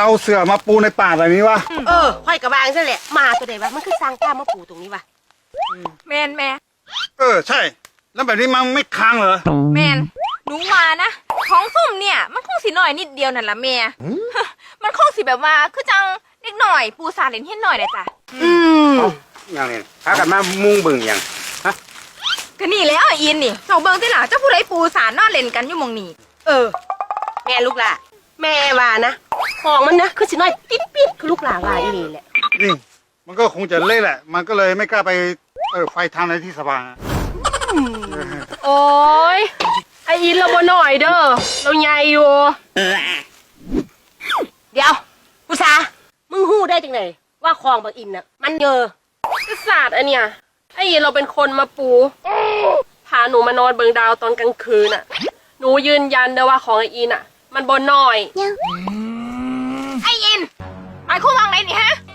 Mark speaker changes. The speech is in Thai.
Speaker 1: เอาเสือมาปูในป่าแบบนี้วะ
Speaker 2: ค่อยกระบางซะแหละมาตัวใดวะมันคือสร้างกล้ามาปูตรงนี้วะ
Speaker 3: แมนแม่
Speaker 1: ใช่ แล้วแบบนี้มันไม่ค้างเหรอ
Speaker 3: แมนหนูว่านะของส้มเนี่ยมันคงสิหน่อยนิดเดียวนั่นละแม่ มันคงสิแบบว่าคือจังเล็กหน่อยปูสาเล่นเฮ็ดหน่อยนะจ้ะ
Speaker 4: อย่างนี้พากันมามุ่งเบิ่งอย่าง
Speaker 3: ก็นี่แล้วอ่ะอินนี่เจ้าเบิ่งติล่ะเจ้าผู้ใดปูสานอนเล่นกันอยู่หม่องนี้
Speaker 2: แม่ลูกหล่ะแม่ว่านะของมันนะคือสิน้อยปิ๊ดปิ๊ดคือลูกหล่าว่าอีนี่แหละ
Speaker 1: นี่มันก็คงจะเละแหละ มันก็เลยไม่กล้าไปไฟทางในที่สว่าง
Speaker 2: โอ้ยไออินเราบ่หน่อยเด้อเราใหญ่อยู่เดี๋ยวผู้ชามึงฮู้ได้จังไหนว่าคลองบางอินน่ะมันเยอะศาสตร์อันเนี้ยไออินเราเป็นคนมาปูพาหนูมานอนเบิงดาวตอนกลางคืนน่ะหนูยืนยันเด้อว่าของไออินน่ะมันบ่น้อย
Speaker 3: ไอ้อินหมายความว่าไงนี่ฮะ